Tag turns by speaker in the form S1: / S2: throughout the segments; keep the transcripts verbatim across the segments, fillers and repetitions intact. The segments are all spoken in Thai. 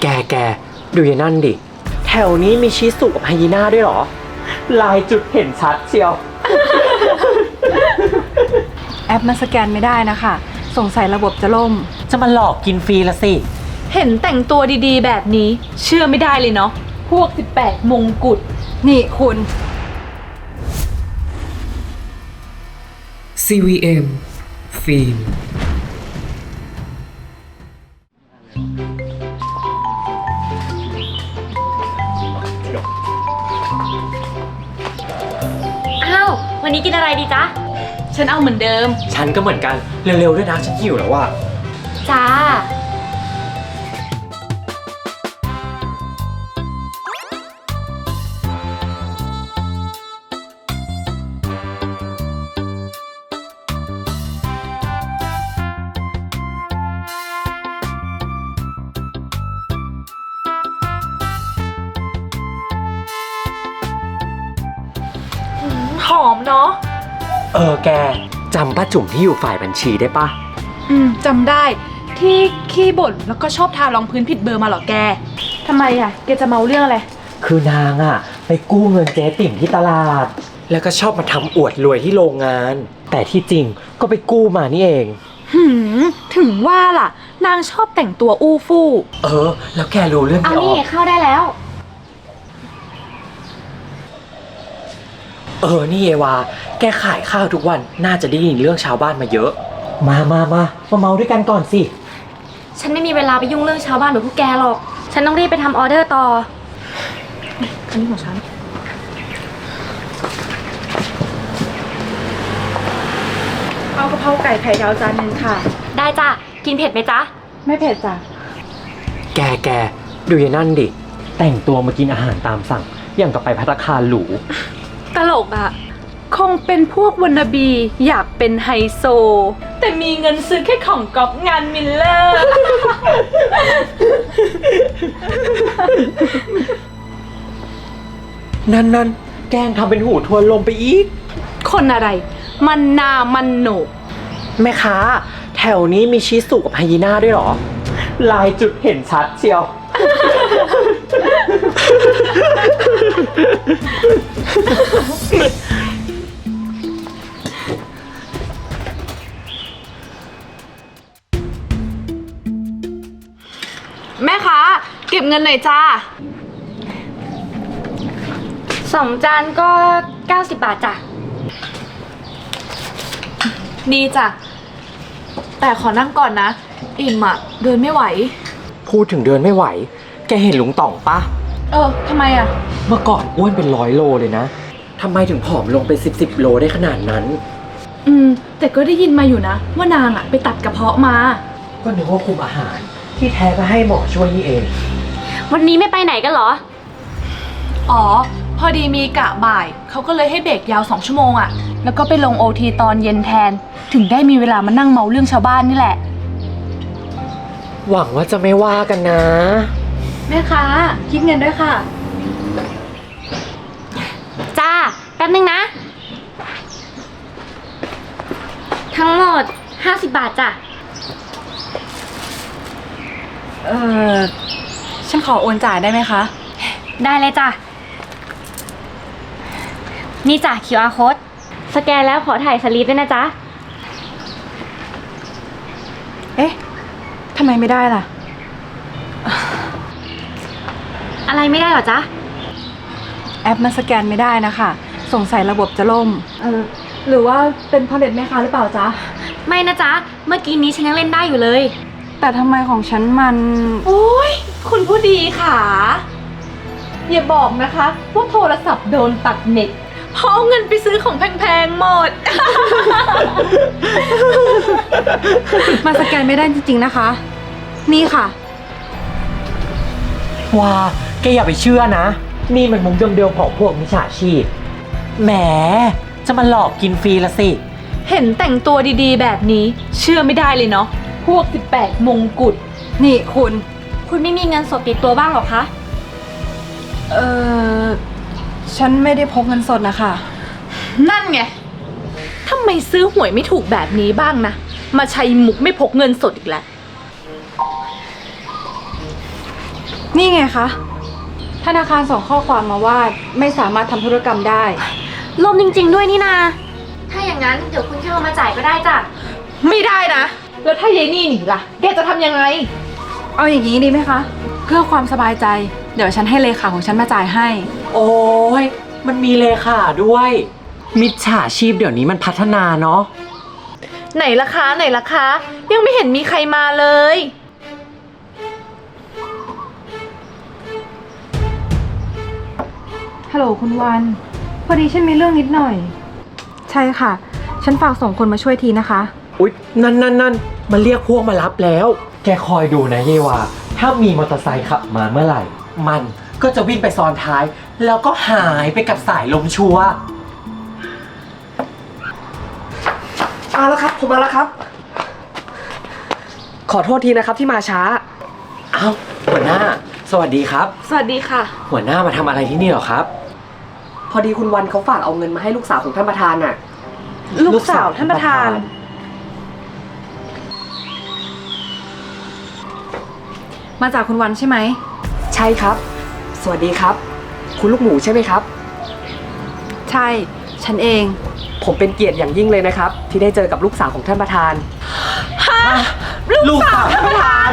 S1: แกแกดูยายนั่นดิแถวนี้มีชิสุกับไฮยีน่าด้วยเหรอลายจุดเห็นชัดเชียว
S2: แอปมันสแกนไม่ได้นะคะสงสัยระบบจะล่ม
S1: จะมาหลอกกินฟรีละสิ
S3: เห็นแต่งตัวดีๆแบบนี้เชื่อไม่ได้เลยเนาะพวกสิบแปดมงกุฎ
S2: นี่คุณ
S4: ซี วี เอ็ม ฟิล์ม
S5: อ้าววันนี้กินอะไรดีจ๊ะ
S3: ฉันเอาเหมือนเดิม
S1: ฉันก็เหมือนกันเร็วๆด้วยนะฉันหิวแล้วว่ะ
S5: จ้า
S3: หอมเนาะ
S1: เออแกจำป้าจุ๋มที่อยู่ฝ่ายบัญชีได้ปะ
S3: อืมจำได้ที่ขี้บ่นแล้วก็ชอบทารองพื้นผิดเบอร์มาหรอแกทำไมอ่ะแกจะเมาเรื่องอะไร
S1: คือนางอะไปกู้เงินเจ๊ติ่มที่ตลาดแล้วก็ชอบมาทำอวดรวยที่โรงงานแต่ที่จริงก็ไปกู้มานี่เอง
S3: หืมถึงว่าล่ะนางชอบแต่งตัวอู้ฟู่
S1: เออแล้วแกรู้เรื่อง
S5: เอา
S1: ที่อ
S5: นี่
S1: อก
S5: เข้าได้แล้ว
S1: เออนี่เอวาแกขายข้าวทุกวันน่าจะได้ยินเรื่องชาวบ้านมาเยอะมามามามาเมาด้วยกันก่อนสิ
S5: ฉันไม่มีเวลาไปยุ่งเรื่องชาวบ้านแบบพวกแกหรอกฉันต้องรีบไปทำออเดอร์ต่อ
S3: อันนี้ของฉันเอากะเพราไก่ไข่ดาวจานหนึ่งค่ะ
S5: ได้จ้ะกินเผ็ดไหมจ๊ะ
S3: ไม่เผ็ดจ้ะ
S1: แกแกดูยายนั่นดิแต่งตัวมากินอาหารตามสั่งอย่างกับไปภัตตาคารหรู
S3: ตลกอ่ะคงเป็นพวกวันนาบีอยากเป็นไฮโซแต่มีเงินซื้อแค่ของก๊อปงานมิลเลอร์
S1: นั่นนั่นแกงทำเป็นหูทวนลมไปอีก
S3: คนอะไรมันนามันโหนก
S1: แม่ค้าแถวนี้มีชิสุกับไฮยีน่าด้วยเหรอลายจุดเห็นชัดเชียว
S3: แม่ค้าเก็บเงินหน่อยจ้า
S5: สองจานก็เก้าสิบบาทจ้ะ
S3: ดีจ้ะแต่ขอนั่งก่อนนะอิ่มอะเดินไม่ไหว
S1: พูดถึงเดินไม่ไหวแกเห็นลุงต่องปะ
S3: เออทำไมอะ
S1: เมื่อก่อนอ้วนเป็นร้อยโลเลยนะทำไมถึงผอมลงเป็นสิบสิบโลได้ขนาดนั้น
S3: อืมแต่ก็ได้ยินมาอยู่นะว่านางอะไปตัดกระเพาะมา
S1: ก็นึกว่าคุมอาหารที่แท้ก็ให้หมอช่วยนี่เอง
S5: วันนี้ไม่ไปไหนกันเหรอ
S3: อ๋อพอดีมีกะบ่ายเขาก็เลยให้เบรกยาวสองชั่วโมงอะแล้วก็ไปลงโอทีตอนเย็นแทนถึงได้มีเวลามานั่งเมาเรื่องชาวบ้านนี่แหละ
S1: หวังว่าจะไม่ว่ากันนะ
S3: แม่ค้าคิดเงินด้วยค่ะ
S5: จ้าแป๊บนึงนะทั้งหมดห้าสิบบาทจ้ะ
S2: เออฉันขอโอนจ่ายได้ไหมคะ
S5: ได้เลยจ้ะนี่จ้ะ คิว อาร์ code สแกนแล้วขอถ่ายสลิปด้วยนะจ๊ะ
S2: เอ๊ะทำไมไม่ได้ล่ะ
S5: อะไรไม่ได้หรอจ๊ะ
S2: แอปมันสแกนไม่ได้นะคะสงสัยระบบจะล่มเออหรือว่าเป็นเพราะเน็ตแม่ค้าหรือเปล่าจ๊ะ
S5: ไม่นะจ๊ะเมื่อกี้นี้ฉันยังเล่นได้อยู่เลย
S2: แต่ทำไมของฉันมัน
S3: โอ้ยคุณผู้ดีค่ะอย่าบอกนะคะว่าโทรศัพท์โดนตัดเน็ตเพราะเอาเงินไปซื้อของแพงๆหมด
S2: มันสแกนไม่ได้จริงๆนะคะนี่ค่ะ
S1: ว้าแกอย่าไปเชื่อนะนี่มันมุกเดิมๆของพวกมิจฉาชีพแหมจะมาหลอกกินฟรีละสิ
S3: เห็นแต่งตัวดีๆแบบนี้เชื่อไม่ได้เลยเนาะพวกสิบแปดมงกุฎ
S2: นี่คุณ
S5: คุณไม่มีเงินสดติดตัวบ้างหรอคะ
S2: เออฉันไม่ได้พกเงินสดนะคะ
S3: นั่นไงทำไมซื้อหวยไม่ถูกแบบนี้บ้างนะมาใช้มุกไม่พกเงินสดอีกแล้ว
S2: นี่ไงคะ ธนาคารส่งข้อความมาว่าไม่สามารถทำธุรกรรมได้
S5: ล่มจริง ๆ ด้วยนี่นา ถ้าอย่างนั้นเดี๋ยวคุณแค่เอามาจ่ายก็ได้จ้ะ
S3: ไม่ได้นะ แล้วถ้ายายนี่หนีล่ะ แกจะทำยังไง
S2: เอาอย่างนี้ดีไหมคะ เพื่อความสบายใจ เดี๋ยวฉันให้เลขาของฉันมาจ่ายให้
S1: โอ้ยมันมีเลขาด้วย มิจฉาชีพเดี๋ยวนี้มันพัฒนาเนาะ
S3: ไหนล่ะคะไหนล่ะคะ ยังไม่เห็นมีใครมาเลย
S2: ฮัลโหลคุณวัน พอดีฉันมีเรื่องนิดหน่อย ใช่ค่ะ ฉันฝากส่งคนมาช่วยทีนะคะ
S1: อุ๊ย นั่นนั่นนั่นมันเรียกพวกมารับแล้ว แกคอยดูนะเยวาถ้ามีมอเตอร์ไซค์ขับมาเมื่อไหร่ มันก็จะวิ่งไปซ้อนท้าย แล้วก็หายไปกับสายลมชัวร์
S6: มาแล้วครับ ผมมาแล้วครับ ขอโทษทีนะครับที่มาช้า
S1: อ้าวหัวหน้า สวัสดีครับ
S3: สวัสดีค่ะ
S1: หัวหน้ามาทำอะไรที่นี่เหรอครับ
S6: พอดีคุณวันเขาฝากเอาเงินมาให้ลูกสาวของท่านประธานน่ะ
S2: ลูกสาวท่านประธาน มาจากคุณวันใช่ไหม
S6: ใช่ครับ สวัสดีครับ คุณลูกหมูใช่ไหมครับ
S2: ใช่ ฉันเอง
S6: ผมเป็นเกียรติอย่างยิ่งเลยนะครับ ที่ได้เจอกับลูกสาวของท่านประธาน
S1: ลูกสาวท่านประธาน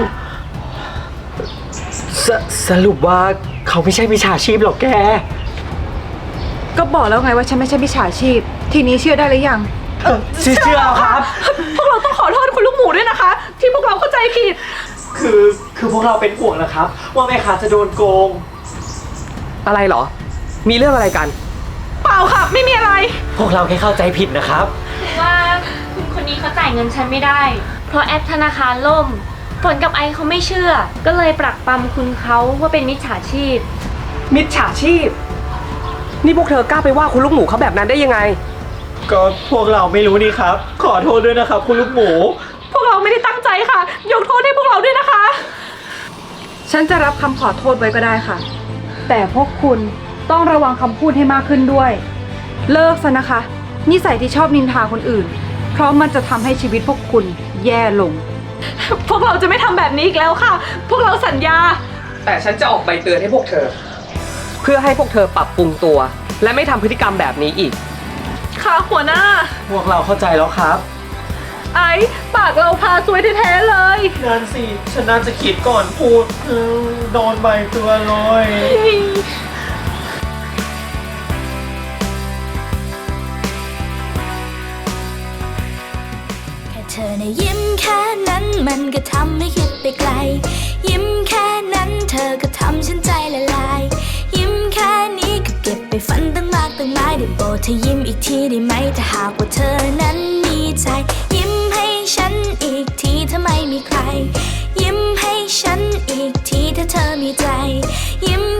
S1: สสรุปว่าเขาไม่ใช่มิจฉาชีพหรอกแก
S2: ก็บอกแล้วไงว่าฉันไม่ใช่มิจฉาชีพ ทีนี้เชื่อได้หรือยัง
S1: เออเชื่อเชื่อครับ
S3: พวกเราต้องขอโทษคุณลูกหมูด้วยนะคะ ที่พวกเราเข้าใจผิด
S1: คือคือพวกเราเป็นห่วงนะครับ ว่าแม่ค้าจะโดนโกง
S6: อะไรเหรอ มีเรื่องอะไรกัน
S3: เปล่าค่ะ ไม่มีอะไร
S1: พวกเราแค่เข้าใจผิดนะครับ
S5: คือว่าคุณคนนี้เขาจ่ายเงินฉันไม่ได้ เพราะแอปธนาคารล่ม ฝนกับไอเขาไม่เชื่อ ก็เลยปรักปรำคุณเขาว่าเป็นมิจฉาชีพ
S6: มิจฉาชีพ นี่พวกเธอกล้าไปว่าคุณลูกหมูเขาแบบนั้นได้ยังไง
S1: ก็พวกเราไม่รู้นี่ครับ ขอโทษด้วยนะครับ คุณลูกหมู
S3: พวกเราไม่ได้ตั้งใจค่ะ ยกโทษให้พวกเราด้วยนะคะ
S2: ฉันจะรับคำขอโทษไว้ก็ได้ค่ะ แต่พวกคุณต้องระวังคำพูดให้มากขึ้นด้วย เลิกซะนะคะ นิสัยที่ชอบนินทาคนอื่น เพราะมันจะทำให้ชีวิตพวกคุณแย่ลง
S3: พวกเราจะไม่ทำแบบนี้อีกแล้วค่ะ พวกเราสัญญา
S6: แต่ฉันจะออกใบเตือนให้พวกเธอ เพื่อให้พวกเธอปรับปรุงตัว และไม่ทำพฤติกรรมแบบนี้อีก
S3: ค่ะหัวหน้า
S1: พวกเราเข้าใจแล้วครับ
S3: ไอ้ปากเราพาซวยแท้ๆเลย
S1: นั่นสิ ฉันน่าจะคิดก่อนพูดเออโดนใบเตือนเลย
S7: แค่เธอในะยิ้มแค่นั้นมันก็ทำให้คิดไปไกล ยิ้มแค่นั้นเธอก็ทำฉันใจละลาย ยิ้มแค่นี้ก็เก็บไปฝันตั้งมากตั้งหลายได้โปรดเธอยิ้มอีกทีได้ไหมถ้าหากว่าเธอนั้นมีใจ ยิ้มให้ฉันอีกทีถ้าไม่มีใคร ยิ้มให้ฉันอีกทีถ้าเธอมีใจ ยิ้ม